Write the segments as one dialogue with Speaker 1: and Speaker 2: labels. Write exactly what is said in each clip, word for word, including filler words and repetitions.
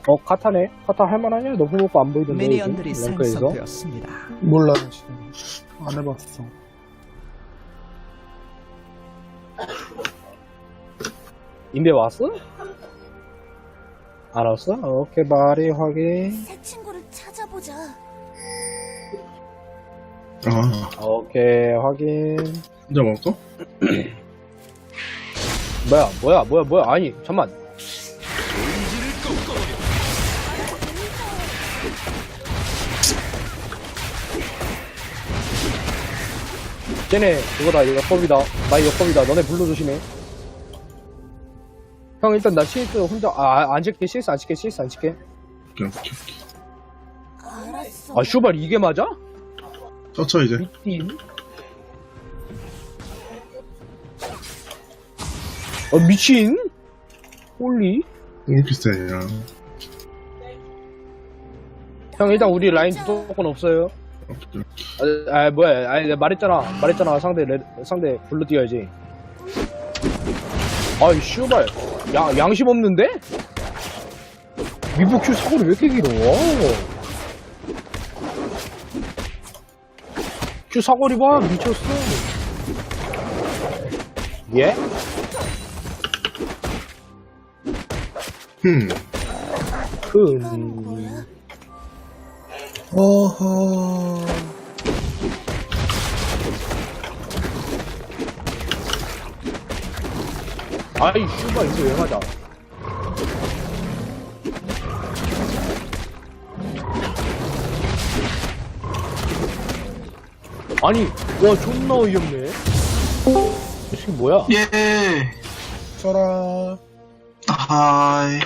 Speaker 1: 어, 카타네? 카타 할만하냐? 너무 먹고 안 보이던데,
Speaker 2: 미니언들이
Speaker 1: 요즘 랭크에서.
Speaker 2: 생성되었습니다.
Speaker 3: 몰라 지금 안 해봤어.
Speaker 1: 인베 왔어? 알았어? 오케이, 말이 확인.
Speaker 4: 새 친구를 찾아보자.
Speaker 5: 아,
Speaker 1: 오케이, 확인.
Speaker 5: 혼자 먹었어?
Speaker 1: 뭐야, 뭐야, 뭐야, 뭐야. 아니, 잠만. 쟤네, 그거다, 이거 역법이다. 나 역법이다. 너네 불러 조심해. 형, 일단 나 시스 혼자, 아, 안 칠게, 시스 안 칠게, 시스 안 칠게.
Speaker 5: 오케이, 오케이, 오케이.
Speaker 4: 알았어.
Speaker 1: 아, 슈발, 이게 맞아?
Speaker 5: 쳐쳐, 이제.
Speaker 1: 미친. 어, 미친? 홀리?
Speaker 5: 왜 이렇게 세, 야.
Speaker 1: 형, 일단 우리 라인 무조건 없어요.
Speaker 5: 오케이.
Speaker 1: 아, 아 뭐야, 아, 내가 말했잖아. 말했잖아. 상대, 레, 상대, 불러 뛰어야지. 아이, 슈발. 야, 양심 없는데? 미포 큐 사거리 왜 이렇게 길어? 큐 사거리 봐, 미쳤어. 예?
Speaker 5: 흠.
Speaker 1: 그,
Speaker 3: 어허.
Speaker 1: 아이, 슈발, 이거 왜 맞아? 아니, 와, 존나 어이없네. 이 새끼 뭐야?
Speaker 6: 예.
Speaker 3: 쳐라.
Speaker 6: 하이.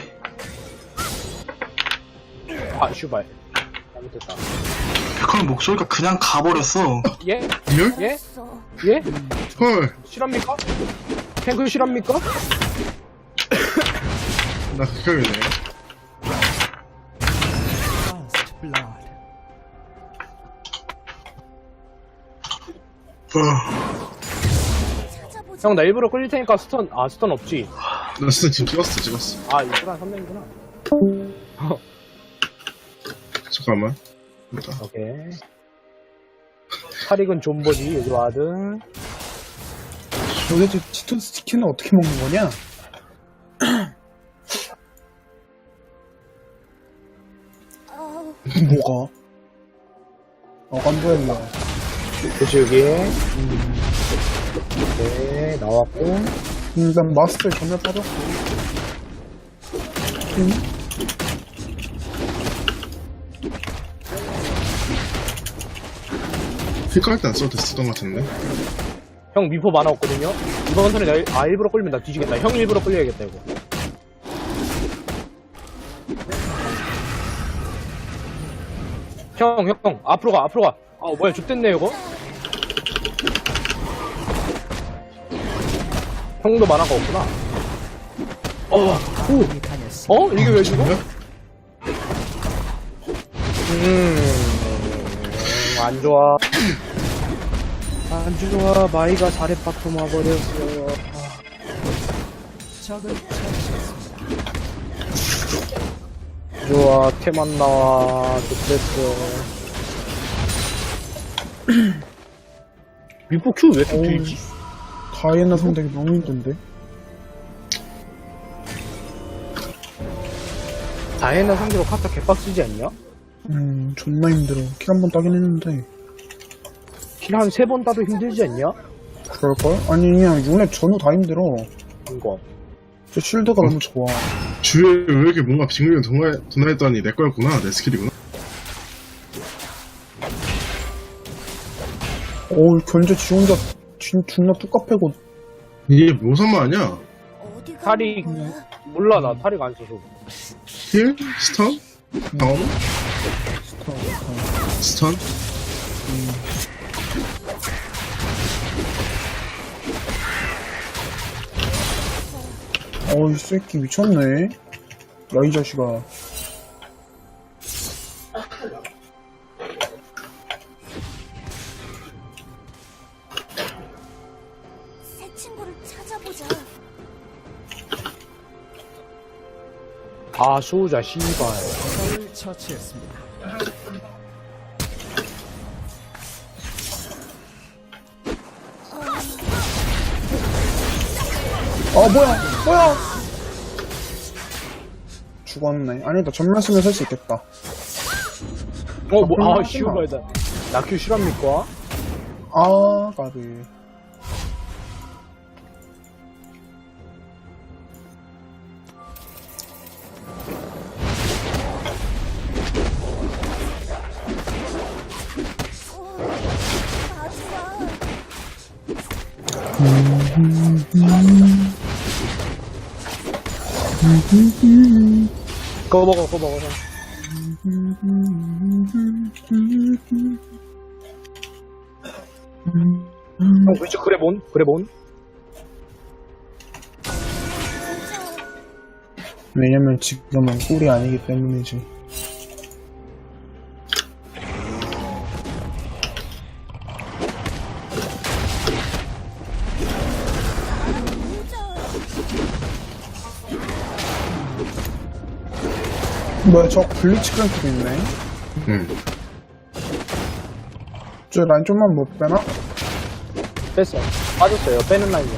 Speaker 1: 아, 슈발. 잘못했다.
Speaker 6: 백헌 목소리가 그냥 가버렸어.
Speaker 1: 예?
Speaker 5: 리얼?
Speaker 1: 예?
Speaker 4: 알았어.
Speaker 1: 예?
Speaker 5: 헐.
Speaker 1: 실합니까? 탱크 실합니까?
Speaker 5: 나 극혐이네.
Speaker 2: First blood.
Speaker 4: 찾아보자.
Speaker 1: 형, 나 일부러 끌릴 테니까 스턴, 아, 스턴 없지?
Speaker 5: 나 진짜 지금 찍었어, 찍었어.
Speaker 1: 아, 이거랑 선명이구나.
Speaker 5: 잠깐만. 됐다.
Speaker 1: 오케이. 탈익은 존버지, 여기로 와든.
Speaker 3: 도대체 치토스 치킨은 어떻게 먹는 거냐?
Speaker 4: 아우,
Speaker 3: 뭐가? 어간도였나?
Speaker 1: 그치, 여기. 음. 오케이, 나왔고.
Speaker 3: 일단 마스터에 전멸 빠졌고. 응?
Speaker 5: 힐깔 때안 써도 됐었던 것 같은데.
Speaker 1: 형, 미포 만화 없거든요? 이번 턴에 나, 일- 아, 일부러 끌면 나 뒤지겠다. 형 일부러 끌려야겠다, 이거. 형, 형, 형, 앞으로 가, 앞으로 가. 아, 뭐야, 좆됐네, 이거? 형도 만화가 없구나. 어, 오,
Speaker 2: 이 당했습니다.
Speaker 1: 어? 이게 왜 죽어? 음, 안 좋아. 안 좋아. 마이가 자리 바텀 와버렸어.
Speaker 2: 적을 처치했습니다.
Speaker 1: 좋아. 테만 나와. 좋됐어. 미포 큐 왜 이렇게
Speaker 3: 어우.
Speaker 1: 길지?
Speaker 3: 다이애나 상대기 너무 힘든데?
Speaker 1: 다이애나 상대로 카타 개빡쓰지 않냐?
Speaker 3: 음, 존나 힘들어. 킬 한 번 따긴 했는데.
Speaker 1: 킬 한 세 번 따도 힘들지 않냐?
Speaker 3: 그럴걸? 아니, 그냥 육 렙 전후 다 힘들어.
Speaker 1: 이거.
Speaker 3: 저 쉴드가 너무 좋아.
Speaker 5: 주위에 왜 이렇게 뭔가 빙글빙글 도나, 도나했더니 내 거였구나. 내 스킬이구나.
Speaker 3: 어우, 견제 지 혼자 진, 존나 뚜까 패고.
Speaker 5: 이게 뭐 산만하냐?
Speaker 4: 어디
Speaker 1: 탈이-
Speaker 4: 가는 거야?
Speaker 1: 몰라, 나 탈이 안 써서.
Speaker 5: 힐? 스턴? 방어?
Speaker 3: 스타,
Speaker 5: 스턴?
Speaker 3: 어이, 새끼 미쳤네. 야, 이 자식아.
Speaker 4: 새 친구를 찾아보자.
Speaker 1: 아, 수호자, 씨발.
Speaker 2: 적을 처치했습니다.
Speaker 3: 어, 뭐야, 뭐야! 죽었네. 아니다, 전멸 쓰면 살 수 있겠다.
Speaker 1: 어, 뭐, 아,
Speaker 3: 하지 마.
Speaker 1: 씨발다. 나큐 실합니까?
Speaker 3: 아, 가비.
Speaker 1: 그거 먹어, 그거 먹어. 형. 형, 그치, 그래, 몬? 그래, 몬?
Speaker 3: 왜냐면 지금은 꿀이 아니기 때문이지. 뭐야, 저 블리치 크랭크도 있네.
Speaker 5: 응.
Speaker 3: 저 라인 좀만 못 빼나?
Speaker 1: 뺐어. 빠졌어요. 빼는 라인이야.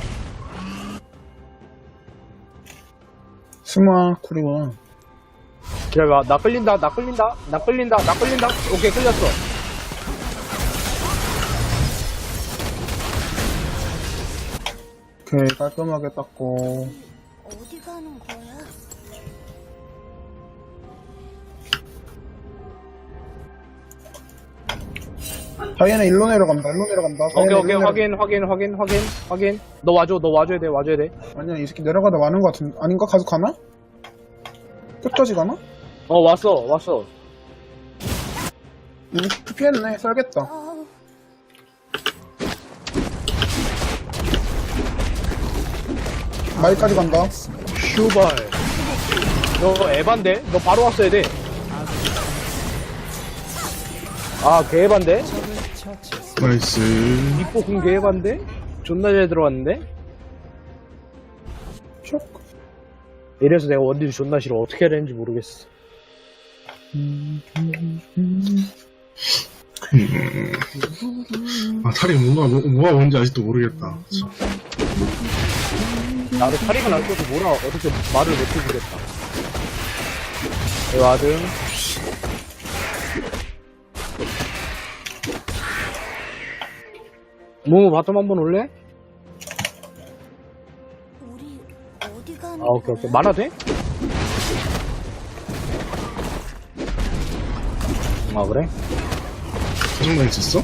Speaker 3: 스마 쿨이구나.
Speaker 1: 기다려봐. 나 끌린다, 나 끌린다, 나 끌린다, 나 끌린다. 오케이, 끌렸어.
Speaker 3: 오케이, 깔끔하게 닦고.
Speaker 4: 어디 가는 거야?
Speaker 3: 다이애나 일로 내려간다, 일로 내려간다.
Speaker 1: 오케이,
Speaker 3: 다이애나
Speaker 1: 오케이,
Speaker 3: 일로
Speaker 1: 확인, 확인, 확인, 확인, 확인. 너 와줘, 너 와줘야 돼, 와줘야 돼.
Speaker 3: 내려- 아니야, 이 새끼 내려가다 많은 것 같은데. 아닌가? 가서 가나? 끝까지 가나?
Speaker 1: 어, 왔어, 왔어.
Speaker 3: 이 피했네, 썰겠다.
Speaker 4: 아우,
Speaker 3: 마이까지 간다.
Speaker 1: 슈발. 너 에반데? 너 바로 왔어야 돼. 아, 개에반데?
Speaker 2: 적을 처치했습니다.
Speaker 5: 나이스.
Speaker 1: 입고 궁 개에반데? 존나 잘 들어왔는데?
Speaker 3: 슉.
Speaker 1: 이래서 내가 원딜이 존나 싫어. 어떻게 해야 되는지 모르겠어.
Speaker 5: 아, 탈이 뭐가, 뭐, 뭐가 뭔지 아직도 모르겠다.
Speaker 1: 나도 탈이가 날 것도 뭐라, 어떻게 말을 못 해주겠다. 이 와등. 모모 바텀 한번 올래?
Speaker 4: 우리 어디 가는
Speaker 1: 아, 오케이,
Speaker 4: 거야?
Speaker 1: 오케이. 만화 돼? 아, 그래?
Speaker 5: 짜증나 있었어?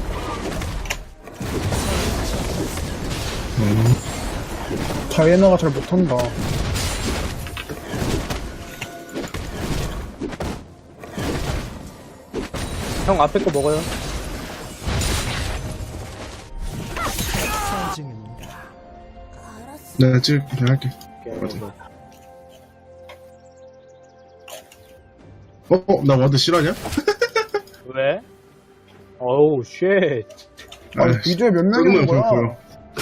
Speaker 5: 음,
Speaker 3: 다이애나가 잘 못한다.
Speaker 1: 형 앞에 거 먹어요.
Speaker 2: 상징입니다.
Speaker 4: 알았어.
Speaker 5: 내가 찍을게, 내가 할게.
Speaker 1: 오케이,
Speaker 5: 맞아.
Speaker 1: 오케이.
Speaker 5: 어, 어, 나 와드 실화냐?
Speaker 1: 왜? 어우, 쉣.
Speaker 3: 아니,
Speaker 5: 아이씨,
Speaker 3: 비주에 몇 명이
Speaker 5: 짜증나,
Speaker 3: 있는 거야?
Speaker 5: 그냥 보여.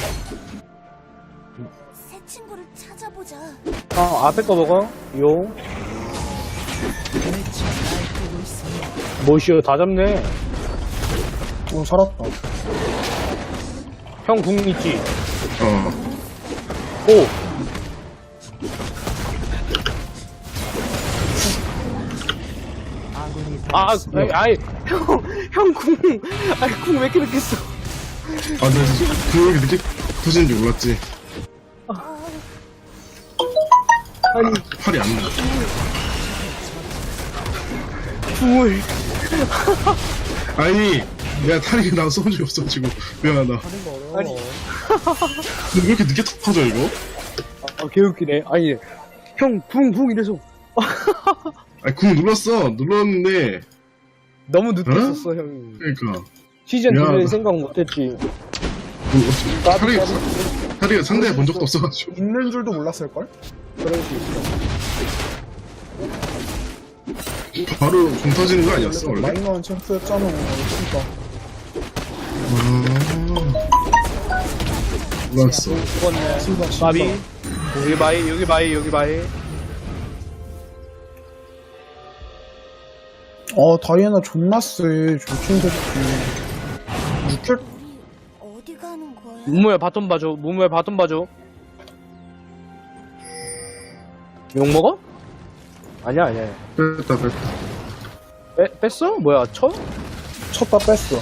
Speaker 4: 새 친구를 찾아보자.
Speaker 1: 형 앞에 거 먹어. 요.
Speaker 2: 미쳐 날뛰고 있습니다.
Speaker 1: 뭐시여, 다 잡네.
Speaker 3: 오, 살았다.
Speaker 1: 형 궁 있지?
Speaker 5: 어.
Speaker 1: 오!
Speaker 2: 아군이
Speaker 1: 아,
Speaker 2: 당했습니다.
Speaker 1: 아이, 아이, 형, 형 궁, 아이, 궁 왜 이렇게 늦게 써?
Speaker 5: 아, 내가 진짜 그렇게 늦게 터지는지 몰랐지.
Speaker 1: 아니,
Speaker 5: 팔이 안 나.
Speaker 1: 궁을.
Speaker 5: 아니, 내가 탈이 나 쏜 적이 없어가지고, 미안하다.
Speaker 1: 아니,
Speaker 5: 근데 왜 이렇게 늦게 터져, 이거?
Speaker 1: 아, 개웃기네. 아니, 형, 궁, 궁 이래서.
Speaker 5: 아니, 궁 눌렀어. 눌렀는데,
Speaker 1: 너무 늦게
Speaker 5: 어?
Speaker 1: 썼어, 형이.
Speaker 5: 그러니까.
Speaker 1: 시즌
Speaker 5: 미안하다.
Speaker 1: 두에 생각 못했지.
Speaker 5: 뭐, 어째- 탈이, 탈이가 상대해 본 적도 없어가지고.
Speaker 3: 있는 줄도 몰랐을걸?
Speaker 1: 그럴 수 있어.
Speaker 5: 바로 궁 터지는 거 아니었어, 원래?
Speaker 3: 마이너한 챔프였잖아. 그러니까.
Speaker 5: 아. 몰랐어.
Speaker 1: 죽었네.
Speaker 3: 진짜, 진짜.
Speaker 1: 바비. 여기 바이, 여기 바이, 여기 바이.
Speaker 3: 어, 다이애나 존나 쎄. 조친 새끼. 육킬
Speaker 4: 우리 어디 가는 거야?
Speaker 1: 무무의 바톤 봐줘. 무무의 바톤 봐줘. 욕 먹어? 아니야 아니야.
Speaker 5: 뺐다 뺐다.
Speaker 1: 빼, 뺐어? 뭐야 쳐?
Speaker 3: 쳤다 뺐어.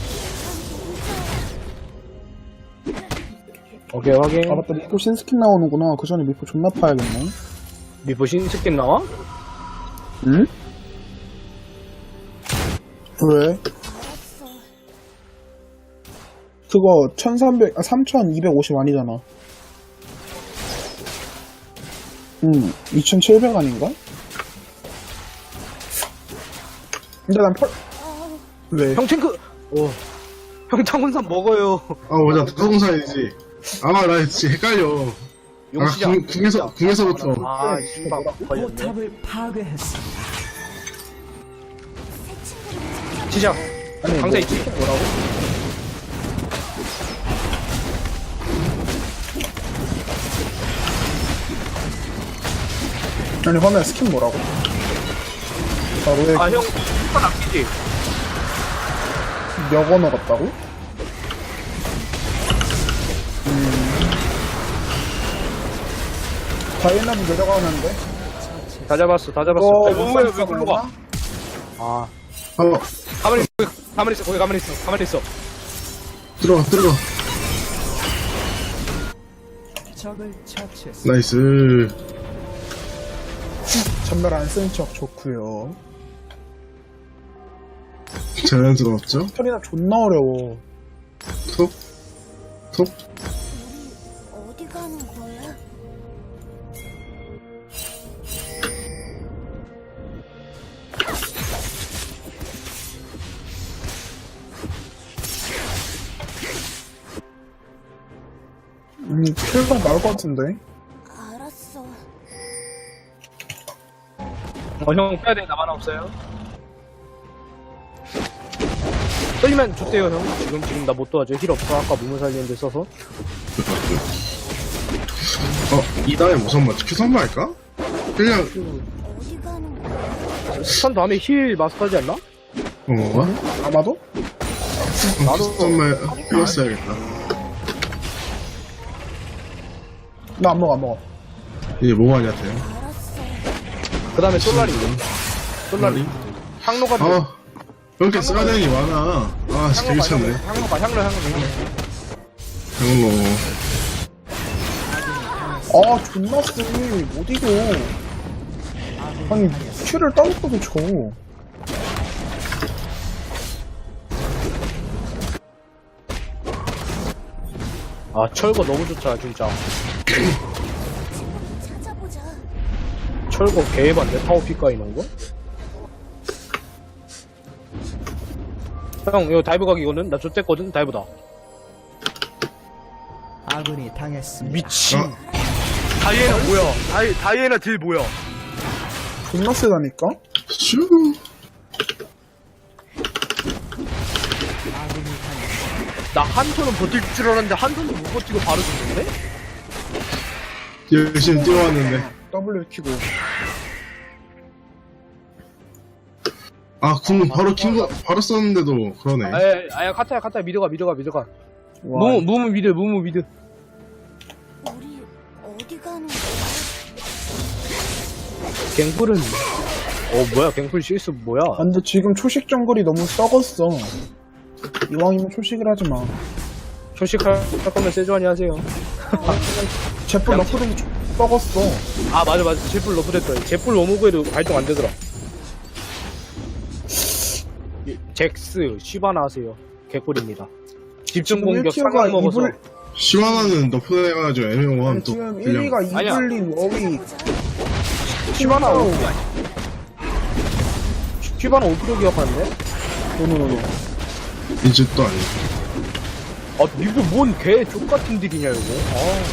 Speaker 1: 오케이 확인.
Speaker 3: 아, 맞다. 미포 신스킨 나오는구나. 그 전에 미포 존나 파야겠네.
Speaker 1: 미포 신스킨 나와?
Speaker 3: 응? 왜?
Speaker 4: 알았어.
Speaker 3: 그거 천삼백, 아, 삼천이백오십 아니잖아. 응, 이천칠백 아닌가? 근데 난 펄, 왜?
Speaker 1: 형 탱크. 오. 형 창문산 먹어요.
Speaker 5: 아 맞아 특공사이지. 아나 진짜 헷갈려. 아
Speaker 1: 용시장.
Speaker 5: 궁, 궁에서 궁에서부터.
Speaker 1: 아 씨발 걸렸네.
Speaker 2: 포탑을 파괴했습니다.
Speaker 4: 새 친구를 찾아.
Speaker 1: 시작.
Speaker 3: 아니,
Speaker 1: 강사
Speaker 3: 뭐,
Speaker 1: 있지? 뭐라고?
Speaker 3: 아니, 화면 스킨 뭐라고? 바로 왜
Speaker 1: 아 형 스파 낚시지?
Speaker 3: 몇 언어 같다고? 음. 다이애나도 내려가는데?
Speaker 1: 다 잡았어 다 잡았어.
Speaker 3: 어,
Speaker 1: 야, 뭐야, 왜
Speaker 3: 못
Speaker 1: 글로 가? 아
Speaker 5: 어
Speaker 1: 가만히 있어 거기 가만히 있어 거기 가만히 있어 가만히 있어.
Speaker 5: 들어가 들어가.
Speaker 2: 적을 처치했습니다.
Speaker 5: 나이스.
Speaker 3: 전멸 안 쓴 척 좋구요.
Speaker 5: 자연스러웠죠?
Speaker 3: 스토리나 존나 어려워.
Speaker 5: 톡 톡.
Speaker 4: 우리 어디 가는 거야?
Speaker 3: 음, 킬각 나올 것 같은데?
Speaker 4: 알았어.
Speaker 1: 어형 빼야 돼. 나만 없어요. 끌리면 좋대요 형. 지금 지금 나 못 도와줘. 힐 없어. 아까 무무 살리는데 써서.
Speaker 5: 어 이 다음에 무슨 맞지? 큐선마 할까? 그냥
Speaker 4: 어디 가는 거야?
Speaker 1: 스탄 다음에 힐 마스터하지 않나?
Speaker 5: 어 뭐가?
Speaker 3: 아마도?
Speaker 5: 나도 큐선마 플러스야겠다.
Speaker 3: 나 안 먹어, 안 먹어.
Speaker 5: 이제 뭐 하냐 돼요?
Speaker 4: 알았어.
Speaker 1: 그 다음에 솔라리. 솔라리. 향로가 돼.
Speaker 5: 아 왜 이렇게 쓰라댕이 많아? 아 진짜
Speaker 1: 향로
Speaker 5: 귀찮네.
Speaker 1: 봐. 향로 봐. 향로 향로 향로.
Speaker 5: 장로.
Speaker 3: 아, 존나 쎄. 못 이겨. 아니, 큐를 따로따로 쳐.
Speaker 1: 아 철거 너무 좋다 진짜.
Speaker 4: 친구를 찾아보자.
Speaker 1: 철거 개해봤네. 타워 피까지 넣은 거? 형 이거 다이브 각이거든? 나 좆됐거든? 다이브다.
Speaker 2: 아군이 당했습니다.
Speaker 1: 미친.
Speaker 5: 어?
Speaker 1: 다이애나 뭐야? 다이, 다이애나 딜 뭐야?
Speaker 3: 존나 세다니까?
Speaker 5: 슈.
Speaker 2: 아군이 당했습니다.
Speaker 1: 나 한 턴은 버틸 줄 알았는데 한 턴도 못 버티고 바로 죽는데?
Speaker 5: 열심히 뛰어왔는데.
Speaker 3: W 키고.
Speaker 5: 아, 궁 바로 킨 거, 바로 썼는데도 그러네.
Speaker 1: 아야, 아야, 카타야, 카타야, 미드가, 미드가, 미드가.
Speaker 3: 와,
Speaker 1: 무무, 무무 미드, 무무 미드.
Speaker 4: 우리 어디 가는 거야?
Speaker 1: 갱플은, 어, 뭐야, 갱플 실수 뭐야?
Speaker 3: 아, 근데 지금 초식 정글이 너무 썩었어. 이왕이면 초식을 하지 마.
Speaker 1: 초식할 할 거면 세주환이 하세요.
Speaker 3: 제풀 너프도 썩었어.
Speaker 1: 아, 맞아, 맞아. 제풀 러프 됐다. 제풀 로모그에도 발동 안 되더라. 이, 잭스, 시바나 하세요. 개꿀입니다. 집중
Speaker 3: 지금
Speaker 1: 공격
Speaker 3: 일 티어가
Speaker 1: 상향 먹어서.
Speaker 3: 이불-
Speaker 5: 시와나는 너프해가지고 애매모호하면 또
Speaker 3: 지금 일
Speaker 5: 불량.
Speaker 3: 위가
Speaker 1: 아니야.
Speaker 3: 이블린, 워윅,
Speaker 1: 시바나
Speaker 3: 오.
Speaker 1: 오프기 아니야. 시바나 오프로 기억하는데?
Speaker 3: 노노노노.
Speaker 5: 이제 또 아니야.
Speaker 1: 아, 이거 뭔 개 족같은 딜이냐, 이거. 아.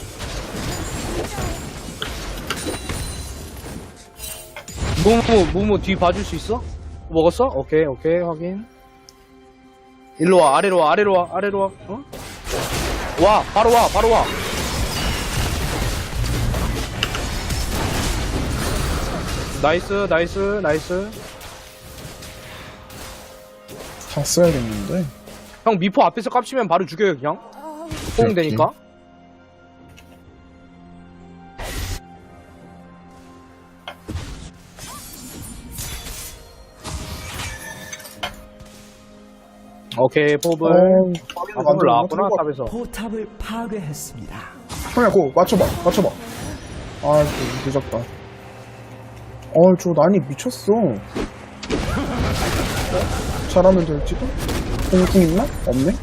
Speaker 1: 무무, 무무 뒤 봐줄 수 있어? 먹었어? 오케이, 오케이, 확인. 일로 와, 아래로 와, 아래로 와, 아래로 와, 어? 와, 바로 와, 바로 와. 나이스, 나이스, 나이스.
Speaker 3: 다 써야겠는데.
Speaker 1: 형 미포 앞에서 깝치면 바로 죽여요 그냥.
Speaker 4: 아,
Speaker 1: 호응 되니까. 오케이 포블.
Speaker 3: 어,
Speaker 1: 아, 포블 나왔구나 탑에서.
Speaker 2: 포탑을 파괴했습니다.
Speaker 3: 형야, 그거 맞춰봐, 맞춰봐. 아, 저 늦었다. 어, 저 난이 미쳤어. 어? 잘하면 될지도? 공궁 있나? 없네?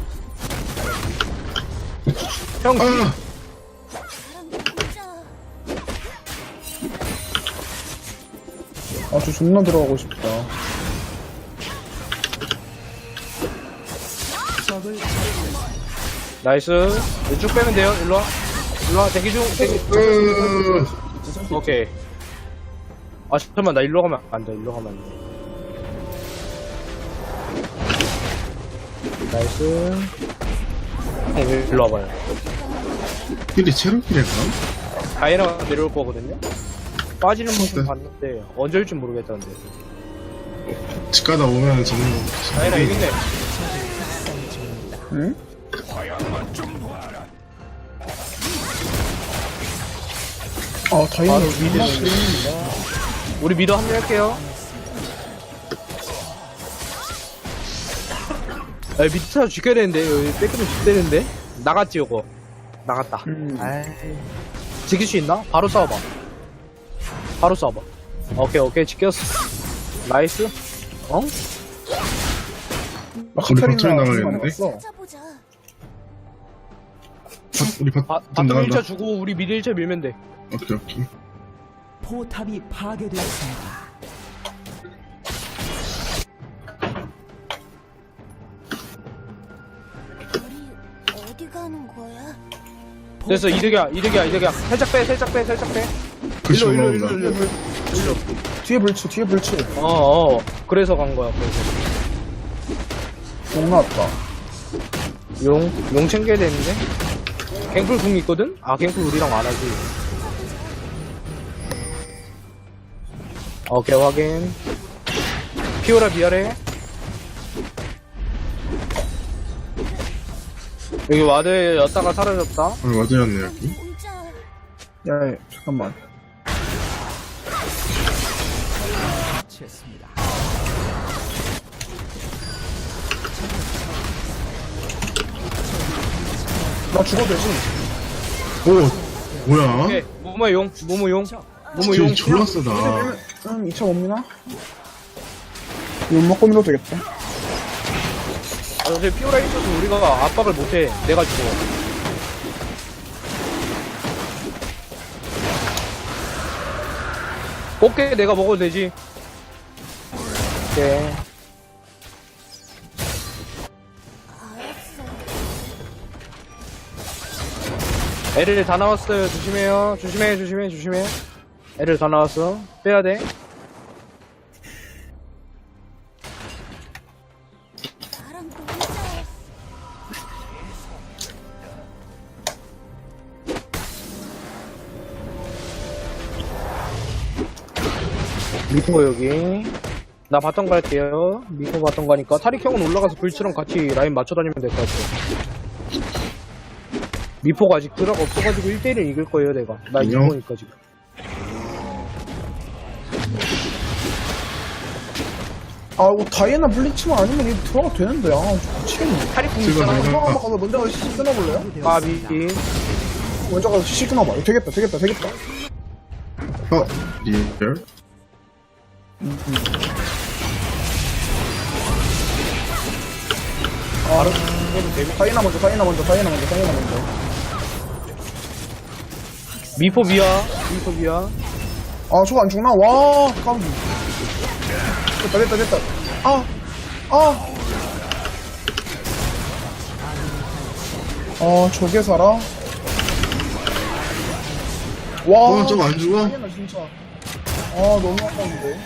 Speaker 1: 형
Speaker 5: 아!
Speaker 4: 나랑 혼자
Speaker 3: 아, 저 존나 들어가고 싶다.
Speaker 2: 적을
Speaker 1: 나이스. 쭉 빼면 돼요. 일로와. 일로와. 대기 중. 대기.
Speaker 5: 으,
Speaker 1: 오케이. 아 잠깐만 나 일로 가면 안 돼. 일로 가면 안 돼. 나이스. 형 일로 와봐요.
Speaker 5: 힐이 체력이랬나?
Speaker 1: 다이애나가 내려올 거거든요. 빠지는 모습 봤는데 언제 올지 모르겠다는데.
Speaker 5: 집 가다 오면 잡는 거.
Speaker 1: 다이애나 여기 있네.
Speaker 3: 응? 아, 다이나
Speaker 1: 바로 미드. 우리 미드 합류할게요. 아, 미드 타서 지켜야 되는데 여기 뺏기면 죽되는데 나갔지 요거. 나갔다.
Speaker 3: 음.
Speaker 1: 에이. 지킬 수 있나? 바로 싸워봐. 바로 싸워봐. 오케이 오케이 지켰어. 나이스. 어?
Speaker 3: 나
Speaker 5: 우리
Speaker 3: 카타리나
Speaker 5: 버튼 나가겠는데?
Speaker 3: 수만 해봤어.
Speaker 4: 찾아보자.
Speaker 5: 바- 우리 바,
Speaker 1: 바,
Speaker 5: 좀
Speaker 1: 바텀 일
Speaker 5: 나간다.
Speaker 1: 차 주고 우리 미드 일 차 밀면 돼.
Speaker 5: 오케이, 오케이.
Speaker 2: 포탑이 파괴되었습니다.
Speaker 4: 우리 어디 가는 거야?
Speaker 1: 됐어 이득이야 이득이야 이득이야. 살짝 빼 살짝 빼 살짝 빼.
Speaker 5: 글씨
Speaker 1: 일로, 일로,
Speaker 5: 올라온다.
Speaker 1: 일로, 일로.
Speaker 3: 뒤에 불치, 뒤에 불치.
Speaker 1: 어어 그래서 간 거야 그래서.
Speaker 3: 공 나왔다.
Speaker 1: 용, 용 챙겨야 되는데? 갱플 궁 있거든? 아, 갱플 우리랑 안 하지. 오케이, 확인. 피오라 비아래. 여기 와드였다가 사라졌다.
Speaker 5: 아, 맞아였네, 여기.
Speaker 4: 혼자
Speaker 3: 야, 야, 잠깐만.
Speaker 2: 처치했습니다.
Speaker 3: 나 죽어도 되지?
Speaker 5: 오, 뭐야?
Speaker 1: 오케이, 무무 용, 무무 용. 무무 용.
Speaker 5: 스킬 졸라 쓰다.
Speaker 3: 응, 이 차 뭡니나? 욕 먹고 밀어도 되겠다.
Speaker 1: 아, 어차피 피오라 있어서 우리가 압박을 못해. 내가 죽어. 꽃게 내가 먹어도 되지. 오케이.
Speaker 4: 알았어.
Speaker 1: 애를 다 나왔어요. 조심해요. 조심해, 조심해, 조심해. 애를 다 나왔어. 빼야 돼.
Speaker 4: 나랑 혼자
Speaker 1: 미포 여기. 나 바텀 갈게요. 미포 바텀 가니까. 타릭형은 올라가서 불치랑 같이 라인 맞춰 다니면 될 것 같아. 미포가 아직 드라가 없어가지고 일 대일은 이길 거예요, 내가. 나
Speaker 5: 안녕.
Speaker 1: 미포니까 지금.
Speaker 3: 아, 이거 다이애나 블리츠만 아니면 이거 들어가도 되는데. 아, 저 미치겠네.
Speaker 1: 타릭궁
Speaker 5: 제가
Speaker 1: 있잖아.
Speaker 5: 내가-
Speaker 3: 형 한번 가서 먼저 가서 씨씨 끊어볼래요?
Speaker 1: 아, 미.
Speaker 3: 먼저 가서 씨씨 끊어봐. 이거 되겠다, 되겠다, 되겠다.
Speaker 5: 어, 리얼?
Speaker 3: 바로 다이애나 먼저, 다이애나 먼저, 다이애나 먼저, 다이애나 먼저.
Speaker 1: 미포 미야. 미포 미야.
Speaker 3: 아, 저거 안 죽나? 와, 깜기. 됐다, 됐다, 됐다. 아, 아. 아, 저게 살아? 와.
Speaker 5: 어, 저거 안 죽어?
Speaker 3: 다이애나 진짜. 아, 너무 아까운데.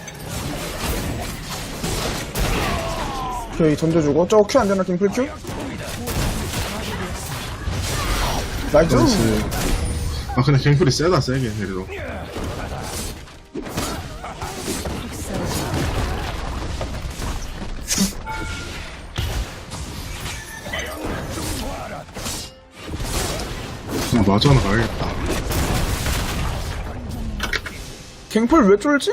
Speaker 3: 오케이, 던져주고. 저거 큐 안 되나, 킹플 큐? 나이스.
Speaker 5: 그렇지. 아, 근데 갱플이 세다, 세게, 그래도. 아, 마주 하나 가야겠다.
Speaker 3: 갱플 왜 쫄지?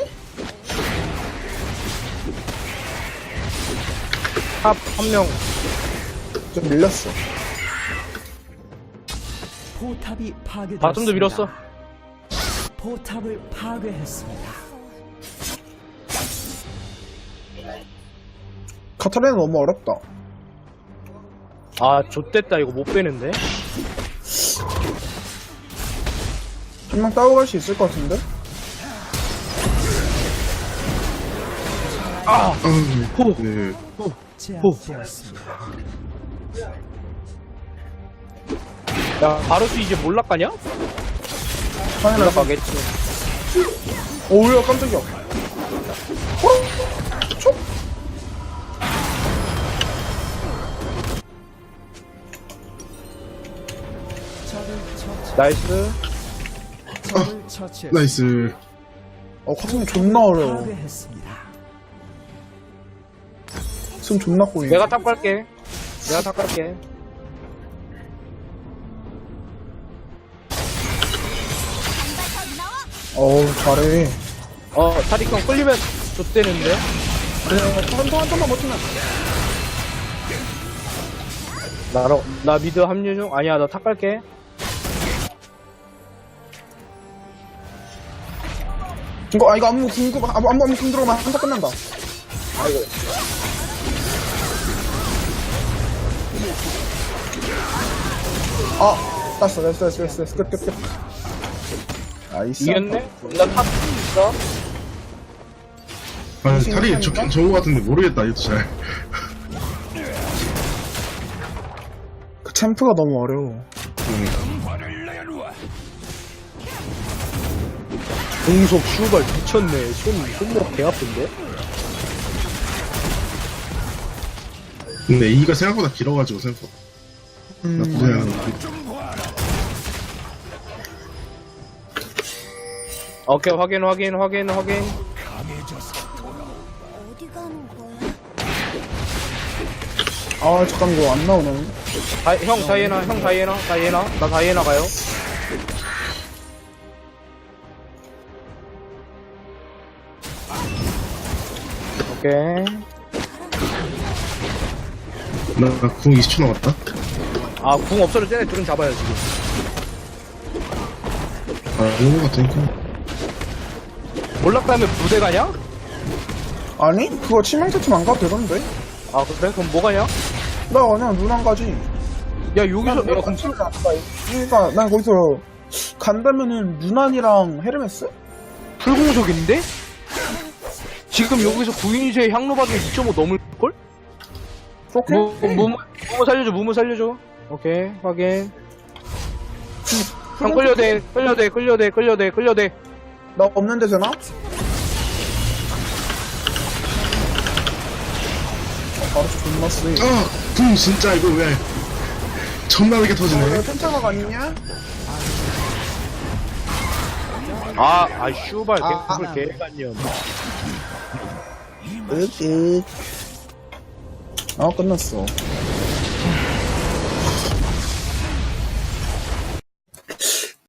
Speaker 1: 탑 한 명.
Speaker 3: 좀 밀렸어.
Speaker 2: 포탑이 파괴되었습니다.
Speaker 1: 바텀도 밀었어.
Speaker 2: 포탑을 파괴했습니다.
Speaker 3: 카타레는 너무 어렵다.
Speaker 1: 아, 좆됐다. 이거 못 빼는데.
Speaker 3: 한 명 따고 갈 수 있을 것 같은데?
Speaker 1: 아!
Speaker 5: 아, 네.
Speaker 2: 제압되었습니다.
Speaker 1: 야, 바로스 이제 몰락가냐?
Speaker 3: 상현아,
Speaker 1: 몰락가겠지.
Speaker 3: 오우야, 깜짝이야. 어? 촉?
Speaker 2: 적을 처치.
Speaker 1: 나이스.
Speaker 2: 적을 처치했습니다.
Speaker 5: 나이스.
Speaker 3: 어, 화승 존나 어려워.
Speaker 2: 파괴했습니다.
Speaker 3: 숨 존나 꼬이.
Speaker 1: 내가 탑 갈게. 내가 탑 갈게.
Speaker 3: 어우, 잘해.
Speaker 1: 어, 타리형 끌리면 좆되는데.
Speaker 3: 그래, 한 번, 한 번만 버티면.
Speaker 1: 나로, 나 미드 합류 중. 아니야, 나 탑 갈게.
Speaker 3: 이거, 아, 이거 안무 궁금, 안무, 안무, 안무 궁 들어가면 한타 끝난다. 아이고. 아, 땄어, 됐어, 됐어, 됐어, 됐어, 끝, 끝, 끝. 나이스.
Speaker 1: 이겼네? 나탑 있어?
Speaker 5: 아, 탈이 좋긴 좋은 것 같은데 모르겠다, 이것도 잘.
Speaker 3: 그 챔프가 너무 어려워.
Speaker 1: 공속 슈발 미쳤네. 손, 손목 개 아픈데?
Speaker 5: 근데 A가 생각보다 길어가지고 생각보다. 나 그냥
Speaker 1: 오케이, 확인, 확인, 확인, 확인.
Speaker 4: 어디 가는 거야?
Speaker 3: 아, 잠깐, 이거 안 나오네.
Speaker 1: 다, 형, 다이애나, 형, 다이애나, 다이애나. 나 다이애나 가요. 오케이.
Speaker 5: 나궁 이십 초 남았다.
Speaker 1: 아, 궁 없어도 쟤네 둘은 잡아요, 지금.
Speaker 5: 아, 오는 것 같으니까.
Speaker 1: 몰락가면 부대 가냐?
Speaker 3: 아니? 그거 치명타팀 안 가도 되던데?
Speaker 1: 아, 그래? 그럼 뭐 가냐?
Speaker 3: 나 그냥 눈 안 가지.
Speaker 1: 야, 여기서, 야,
Speaker 3: 내가
Speaker 1: 그럼
Speaker 3: 같이 안 가. 그러니까, 난 거기서 간다면은 누난이랑 헤르메스?
Speaker 1: 풀공속인데? 지금 여기서 구인시에 향로 받으면 이 점 오 넘을걸?
Speaker 3: 오케이?
Speaker 1: 무, 무, 무무 살려줘, 무무 살려줘. 오케이, 확인. 형, 끌려대, 끌려대, 끌려대, 끌려대, 끌려대.
Speaker 3: 나 없는데 되나? 어, 바로 존나 쎄.
Speaker 5: 아, 궁 진짜 이거 왜 겁나게
Speaker 3: 어,
Speaker 5: 터지네.
Speaker 3: 펜타가 아니냐?
Speaker 1: 아, 아, 슈발,
Speaker 3: 아,
Speaker 1: 개꿀 개간이야.
Speaker 3: 으, 으. 아, 끝났어.